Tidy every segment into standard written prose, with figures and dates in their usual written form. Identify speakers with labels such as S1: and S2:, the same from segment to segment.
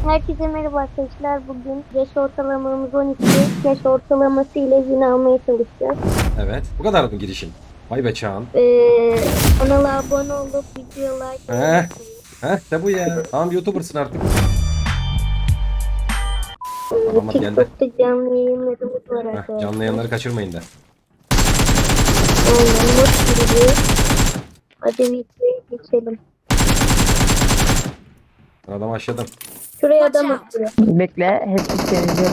S1: Herkese merhaba arkadaşlar. Bugün yaş ortalamamız 12. Yaş ortalaması ile win almaya çalışacağız.
S2: Evet. Bu kadar mı girişin? Vay be Çağan.
S1: Kanala abone olup video like.
S2: De bu ya. Tamam YouTuber'sın artık. Tamam geldi.
S1: TikTok'ta canlı yayınlarımız var arkadaşlar.
S2: Canlı yayınları kaçırmayın da.
S1: Aynen not gibi. Hadi videoya geçelim.
S2: Adam aşağıdan.
S1: Şuraya adam atıyor.
S3: Bekle, hepsi temizliyorum.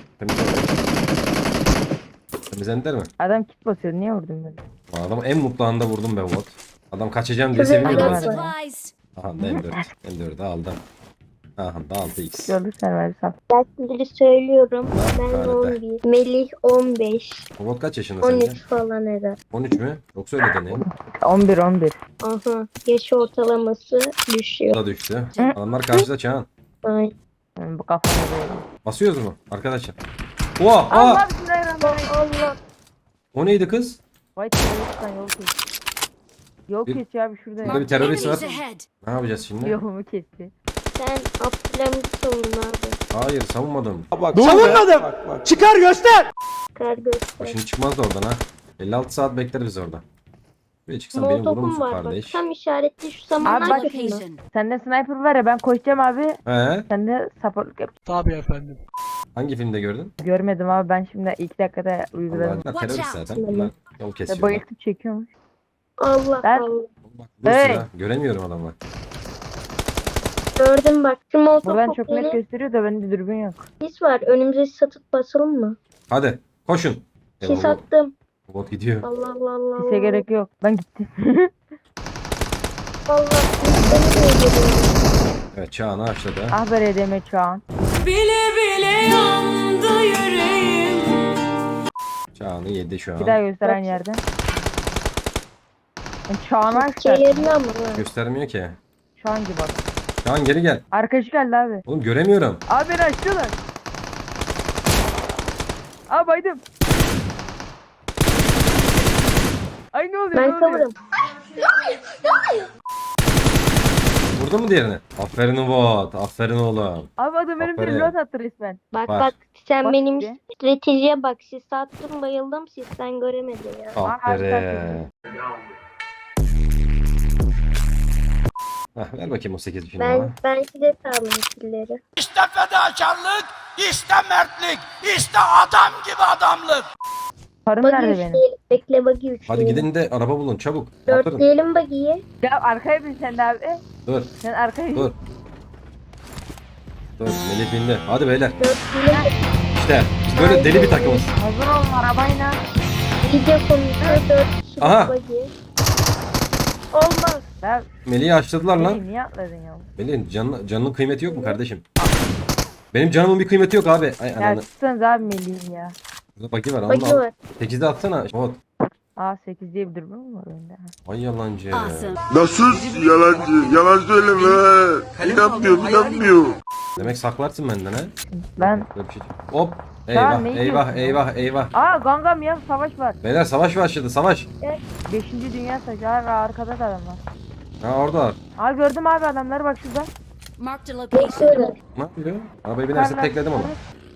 S2: Temizlendiler mi?
S3: Adam kit basıyor, niye vurdun beni?
S2: Adamı en mutlu anda vurdum be Umut. Adam kaçacağım diye
S1: Şuraya
S2: seviniyordu.
S1: adam
S2: ben.
S1: var.
S4: Supplies.
S2: Aha da M4. M4'ü aldım. Aha da 6x.
S3: Gördük sen ver saf.
S1: Ben şimdi söylüyorum. Ben
S2: Nerede?
S1: 11. Melih 15.
S2: Umut kaç yaşında sence?
S1: 13 falan herhalde.
S2: 13 mü? Yoksa öyle deneyim.
S3: 11.
S1: Aha. Yaş ortalaması
S2: Bu
S1: düşüyor.
S2: da düştü. Adamlar karşıda Çağan.
S1: Aynen.
S3: Bu kafamda böyle.
S2: Basıyoruz mu arkadaşlar? Oha!
S3: Allah bismillahirrahmanirrahim.
S1: Allah.
S2: O neydi kız?
S3: Vay teröristten yol kes. Yol
S2: Bir-
S3: kes ya abi şurada.
S2: Burada bir terörist var.
S4: Enemies ahead.
S2: Ne yapacağız şimdi?
S3: Yolumu kesti.
S1: Sen Abdülhamit savun abi.
S2: Hayır savunmadım.
S5: Savunmadım. Çıkar göster.
S1: Kar göster.
S2: Şimdi çıkmaz da oradan ha. 56 saat bekler biz orada. Buraya çıksan beni vurur
S1: Molotofum
S2: musun
S1: var bak.
S2: kardeş?
S1: Tam işaretli şu
S3: Abi
S1: samanlar
S3: bak-
S1: başında.
S4: Location.
S3: Sende sniper var ya, ben koşacağım abi.
S2: He?
S3: Sen de supportluk yap.
S5: Tabii efendim.
S2: Hangi filmde gördün?
S3: Görmedim abi, ben şimdi ilk dakikada uyguladım.
S2: Bunlar terörist
S4: Watch out.
S2: zaten. Bunlar yol
S3: Ve
S2: kesiyorlar.
S3: bayıltıp çekiyormuş.
S1: Allah
S3: Ben-
S1: Allah.
S2: Bak dur
S3: Hey!
S2: sıra. Göremiyorum adamı.
S1: Gördüm bak. Şu
S3: Buradan
S1: molotof
S3: çok net gösteriyor da bende dürbün yok.
S1: sis var. Önümüze satıp basalım mı?
S2: Hadi koşun.
S1: Sis attım.
S2: Bot gidiyor.
S1: Allah Allah Allah.
S3: Sise gerek yok. Ben gittim.
S1: Allah. Seni de öldürüyorum.
S2: Evet Çağan'ı açladı.
S3: Ah be RDM Çağan.
S4: Bile bile yandı yüreğim.
S2: Çağan'ı yedi şu
S3: Bir daha
S2: an.
S3: göster aynı yerden. Çağan açtı.
S1: Şeylerini ama. ha.
S2: Göstermiyor ki.
S3: Çağan gibi bak.
S2: Çağan geri gel.
S3: Arkadaşı geldi abi.
S2: Oğlum göremiyorum.
S3: Abi beni açtılar. Abi baydım. Ay ne oluyor? ne
S1: Ben
S3: oluyor?
S1: savurum.
S2: Vurdun mu diğerini? Aferin bot. Aferin oğlum.
S3: Abi adam benim bir
S2: Aferin.
S3: lot attı resmen.
S1: Bak
S2: Var.
S1: bak. Sen
S3: Bak
S1: benim
S3: işte.
S1: stratejiye bak. Sis attım bayıldım. Sisten göremedi ya.
S2: Aferin. Hah, ver bakayım o 8 şimdi bana.
S1: Ben size sağlayayım killeri.
S5: İşte fedakarlık, işte mertlik, işte adam gibi adamlık.
S3: Parım
S1: Buggy
S3: nerede benim?
S1: üçleyelim. Bekle buggy üçleyelim.
S2: Hadi gidin de araba bulun çabuk. Yaptırın.
S1: Dörtleyelim buggy'yi.
S3: Ya arkaya bin sen de abi.
S2: Dur.
S3: Sen arkaya bin.
S2: Dur. Dur Melih bindi. Hadi beyler.
S1: Dörtleyelim.
S2: İşte biz böyle deli bir takımız.
S3: Hazır olun arabayla.
S1: Video konusu 4 kişilik
S2: Aha.
S1: buggy. Olmaz.
S3: Ya
S2: Melih'i açladılar lan.
S3: niye atladın ya?
S2: Melih'in canının kıymeti yok mu kardeşim? Benim canımın bir kıymeti yok abi. Ay
S3: Ya
S2: ananı.
S3: tutsanız abi Melih'im ya.
S2: Burada bagi var.
S1: Buggy
S2: Al.
S1: var.
S2: 8'de atsana. Bot.
S3: Aa 8 diye bir dürbün mü var önde?
S2: Ay yalancı.
S4: Awesome.
S6: Nasıl yalancı? Yalan söyleme. İnanmıyor.
S2: Demek saklarsın benden ha.
S3: Ben...
S2: Böyle bir şey. Hop.
S3: Tamam,
S2: Eyvah
S3: ne
S2: eyvah
S3: diyorsun?
S2: eyvah eyvah.
S3: Aa gangam ya, savaş var.
S2: Beyler savaş başladı savaş.
S3: 5. Dünya Savaşı. Abi arkada da adam var.
S2: Ha orada.
S3: Aa gördüm abi adamları bak şurada.
S4: Marked a
S1: Bekle
S4: location.
S1: öyle.
S2: Ne yapıyor? Arabayı binerse
S3: Yukarılar.
S2: tekledim onu.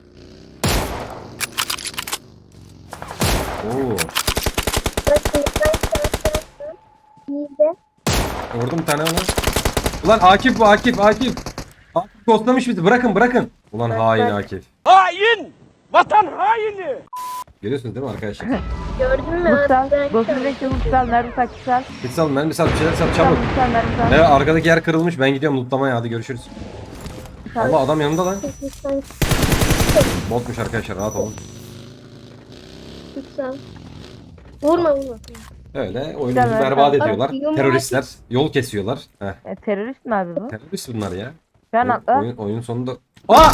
S2: Oo.
S1: Bakın sen. İyi de.
S2: Vurdum bir tane ona. Ulan Akif bu Akif. Akif kostlamış bizi. Bırakın. Ulan hain Akif.
S5: Hain! Vatan haini!
S2: Görüyorsunuz değil mi arkadaşlar?
S1: Gördün mü?
S3: Mutsal.
S1: Ben-
S3: Gosül Renkli Mutsal. Nerede takçısal?
S2: Git sal mermi sal bir şeyler sal çabuk.
S3: Mutsal nerede sal?
S2: Evet arkadaki yer kırılmış. Ben gidiyorum lootlamaya hadi görüşürüz. Allah adam yanımda lan.
S1: Sen
S2: Botmuş arkadaşlar rahat olun.
S1: tutsal. Vurma.
S2: Öyle oyunumuzu
S3: Güzel,
S2: berbat
S3: evet.
S2: ediyorlar.
S1: Abi, yumruğu
S2: Teröristler yol kesiyorlar. Heh.
S3: Terörist mi abi bu?
S2: Terörist bunlar ya.
S3: Şu an atla.
S2: Oyunun sonunda... Aa!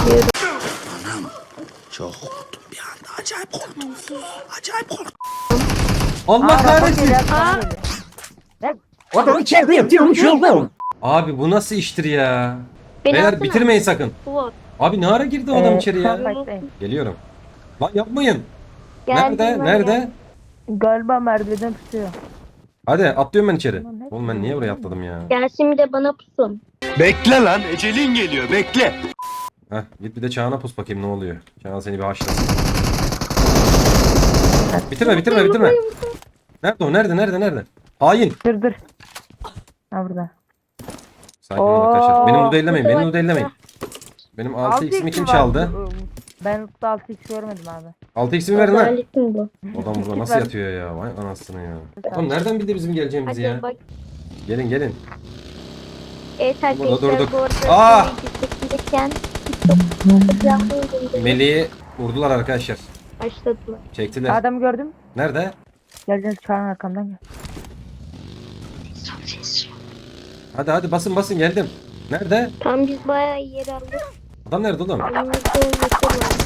S6: Çok korktum bir anda. Acayip korktum. Acayip korktum.
S2: Allah kahretsin.
S3: Aa.
S2: Abi bu nasıl iştir ya?
S1: Beni
S2: Beyler
S1: atsana.
S2: bitirmeyin sakın.
S1: Swat.
S2: Abi ne ara girdi o adam içeri ya?
S3: Fight'tayım.
S2: Geliyorum. Lan yapmayın.
S1: Geldim
S2: Nerede?
S1: ben
S2: Nerede?
S1: ya.
S3: Galiba merdivenden tutuyor.
S2: Hadi atlıyorum ben içeri.
S3: Ulan ne
S2: Oğlum ben niye buraya atladım ya?
S1: Gelsin bir de bana pusun.
S6: Bekle lan. Ecelin geliyor. Bekle.
S2: Heh, git bir de Çağan'a pus bakayım ne oluyor. Çağan seni bir haşlasın. Bitirme. Nerede o? Nerede? Hain.
S3: Dur. Ha burada.
S2: Sakin olun arkadaşlar. Benim
S3: Oo,
S2: loot'u ellemeyin.
S1: burada
S2: Benim
S1: var,
S2: loot'u ellemeyin. Benim 6x'imi kim çaldı?
S3: Ben loot'ta 6x görmedim abi.
S2: 6x'imi verin lan.
S1: Adaletin bu.
S2: Adam burada nasıl yatıyor ya? Vay anasını ya. Oğlum nereden bildi bizim geleceğimizi
S1: Hadi
S2: ya?
S1: bak.
S2: Gelin.
S1: Evet
S2: Burada
S1: arkadaşlar
S2: durduk.
S1: bu arada
S2: Aa!
S1: çekilirken TikTok
S2: Meleği vurdular arkadaşlar.
S1: başladılar.
S2: Çektiler.
S3: Adamı gördüm.
S2: Nerede?
S3: Gel Çağan arkamdan gel.
S2: Hadi basın geldim. Nerede?
S1: Tam biz bayağı iyi yer aldık.
S2: Adam nerede oğlum?
S1: Önümüzde olması var.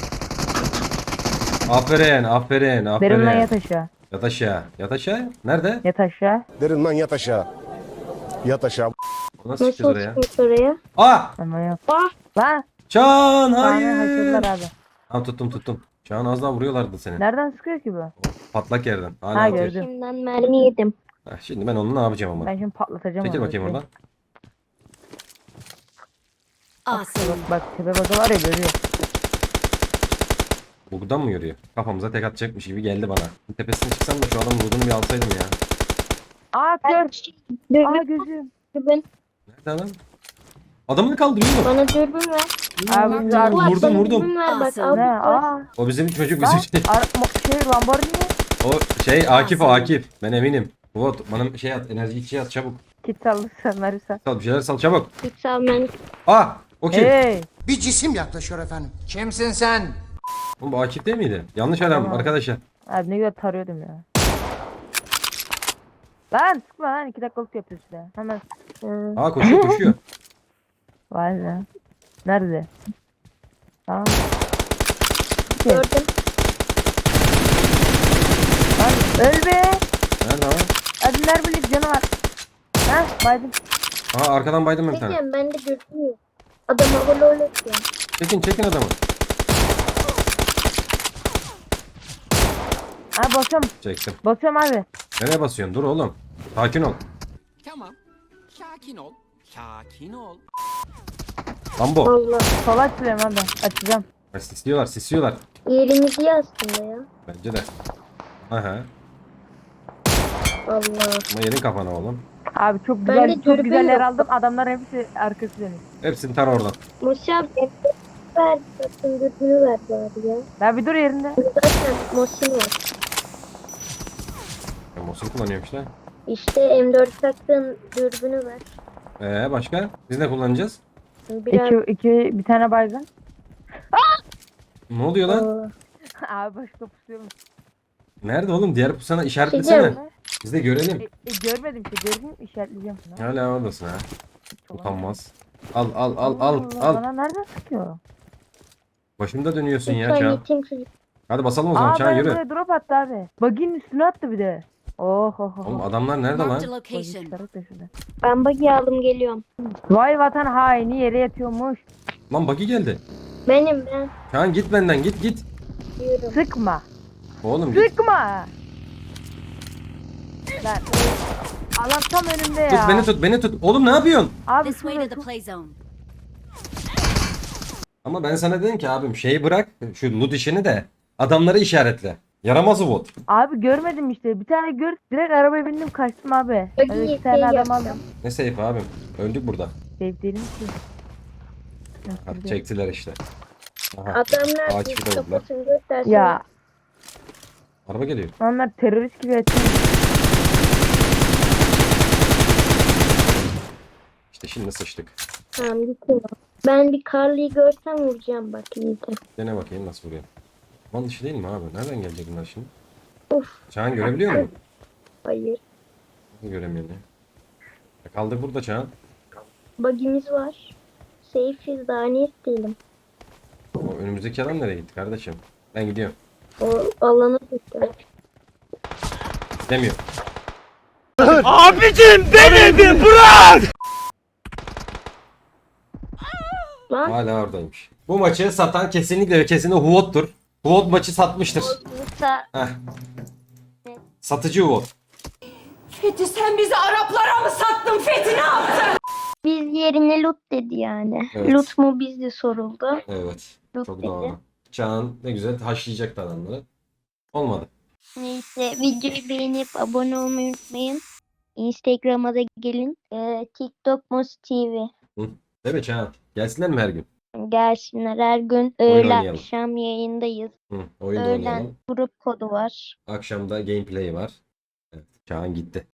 S2: Aferin.
S3: Derin lan yat aşağı.
S2: Yat aşağı. Nerede?
S3: Yat aşağı.
S7: Derin lan yat aşağı. Yat aşağı.
S2: Nasıl çıkacağız oraya?
S1: çıkmış oraya?
S2: Aa!
S3: Ama yat.
S1: Ah!
S3: Lan.
S2: Çağan
S3: Çağan'ı
S2: hayır.
S3: haşırdılar abi.
S2: Tamam tuttum. Çağan az daha vuruyorlardı seni.
S3: Nereden sıkıyor ki bu?
S2: Patlak yerden. Hala
S3: Ha,
S2: atıyor.
S3: gördüm.
S1: Şimdiden mermi yedim.
S2: Heh, şimdi ben onu ne yapacağım ama?
S3: Ben şimdi patlatacağım
S2: Çekil
S3: onu.
S2: bakayım oradan.
S4: Awesome.
S3: Bak tepe baza var ya görüyor.
S2: Buradan mı yürüyor? Kafamıza tek atacakmış gibi geldi bana. Tepesine çıksam da şu adamın vurduğunu bir alsaydım ya.
S3: Aa gör. Aa
S1: Dürbün,
S3: gözüm.
S1: dürbün.
S2: Nerede adam? Adamını kaldırıyor mu?
S1: Bana dürbün ver.
S3: Abi güzel.
S2: Vurdum,
S1: Bak, bana
S2: vurdum.
S1: Dürbün ver bak.
S4: Awesome.
S1: Al,
S3: Ne?
S1: al.
S3: Aa.
S2: O bizim çocuk
S3: Lan.
S2: bizim şey.
S3: Lamborghini.
S2: O şey Akif o Akif. Ben eminim. Vot bana şey at enerji içi at çabuk.
S3: Kit sallı sanları sen.
S2: Sal bir şeyler sal çabuk.
S1: Lütfen ben.
S2: O kim?
S3: Hey.
S6: Bir cisim yaklaşıyor efendim.
S5: Kimsin sen?
S2: Oğlum bu Akif değil miydi? Yanlış adam
S3: Tamam.
S2: arkadaşlar.
S3: Abi ne güzel tarıyordum ya. Lan sıkma lan 2 dakikalık yapıyorsun ya. Hemen.
S2: Koşuyor.
S3: Vay be. Nerede? Tamam.
S1: Gördüm.
S3: Lan öl be.
S2: Nerede o?
S3: Hadi nerede bir canı var. Ha baydım.
S2: Arkadan baydım ben bir tane.
S1: Diyeceğim ben de dürbün yok. Adam havalı öyle yapıyor.
S2: Çekin adamı.
S3: Ha basıyorum.
S2: Çektim.
S3: Basıyorum abi.
S2: Nereye basıyorsun? Dur oğlum. Sakin ol.
S5: Tamam. Sakin ol.
S2: Lambo.
S1: Allah.
S3: Sola açıyorum abi. Açacağım.
S2: Sisliyorlar.
S1: Yerimiz iyi aslında ya.
S2: Bence de. Aha.
S1: Allah.
S2: Ama yerin kafana oğlum.
S3: Abi çok
S1: Ben de
S3: güzel çok
S1: dürbün
S3: güzel yer
S1: yok.
S3: aldım. Adamlar hepsi arkası dönüyor.
S2: Hepsini tar oradan.
S1: Moşi abi ver. Zaten dürbünü ver bari ya.
S3: Ya bir dur yerinde.
S1: Zaten Moşi var.
S2: Ben Mosul kullanıyorum işte.
S1: İşte M4 taktığın dürbünü ver.
S2: Başka? Biz ne kullanacağız?
S1: Biraz.
S3: Bir tane baygın.
S2: Ne oluyor lan?
S1: Aa,
S3: Abi başka pusuyorum.
S2: Nerede oğlum? Diğer pusana işaretlesene.
S1: Diyeceğim.
S2: Biz de görelim.
S3: Görmedim ki gördüm işaretleyeceğim.
S2: Hala oradasın ha. Utanmaz. Al.
S3: Bana nereden sıkıyor?
S2: Başımda dönüyorsun ya
S1: lütfen
S2: Çağan.
S1: yetim çocuk.
S2: Hadi basalım o zaman Çağan
S3: bana
S2: yürü.
S3: buraya drop attı abi. Buggy'nin üstüne attı bir de.
S2: Oğlum adamlar nerede
S4: Marked a
S2: lan?
S4: location.
S1: Ben buggy aldım geliyorum.
S3: Vay vatan haini yere yatıyormuş.
S2: Lan buggy geldi.
S1: Benim ben
S2: Çağan git benden git.
S1: diyorum.
S3: Sıkma.
S2: Oğlum git.
S3: Sıkma. Lan. Adam tam önümde ya.
S2: Beni tut. Oğlum ne yapıyorsun?
S3: Abi
S4: This way to
S3: şurada
S4: the play zone.
S2: Ama ben sana dedim ki abim şeyi bırak. Şu loot işini de. Adamları işaretle. Yaramaz o bot.
S3: Abi görmedim işte. Bir tane gör. Direkt arabaya bindim kaçtım abi.
S1: Buggy
S3: Öyle iki tane adam
S1: yapacağım.
S3: aldım.
S2: Ne safe abim. Öldük burada.
S3: Safe değilim ki.
S2: Hadi çektiler işte. Aha.
S1: Adamlar
S2: Akif'i
S1: biz
S2: de vurdular.
S1: kafasını göstersin.
S3: Ya
S2: Araba geliyor.
S3: onlar terörist gibi yatıyor.
S2: İşte şimdi sıçtık.
S1: Tamam gittim. Ben bir Carly'yi görsem vuracağım bak iyice.
S2: Dene bakayım nasıl vuruyor. Aman dışı değil mi abi? Nereden gelecek bunlar şimdi?
S1: Of.
S2: Çağan görebiliyor musun?
S1: Hayır.
S2: Nasıl göremiyor ne? Kaldık burada Çağan.
S1: Buggy'miz var. Safe'iz daha ne isteyelim.
S2: O önümüzdeki adam nereye gitti kardeşim? Ben gidiyorum.
S1: O alana gitti.
S2: Demiyor.
S5: Abicim beni bir bırak!
S1: Lan
S2: Hala oradaymış. Bu maçı satan kesinlikle ve kesinlikle Huot'tur. Huot maçı satmıştır.
S1: Musa
S2: Heh. Satıcı Huot.
S4: Fethi sen bizi Araplara mı sattın Fethi ne yaptın?
S1: Biz yerine Lut dedi yani.
S2: Evet.
S1: Lut mu bizde soruldu.
S2: Evet.
S1: Lut
S2: Çok
S1: dedi.
S2: doğru. Çağan ne güzel haşlayacaktı adamları. Olmadı.
S1: Neyse videoyu beğenip abone olmayı unutmayın. Instagram'a da gelin. TikTok Mos TV.
S2: Değil mi Çağan? Gelsinler mi her gün?
S1: Gelsinler her gün
S2: Oyun
S1: öğle
S2: oynayalım.
S1: akşam yayındayız.
S2: Oyun da
S1: Öğlen
S2: oynayalım.
S1: grup kodu var.
S2: Akşamda gameplay var. Evet. Çağan gitti.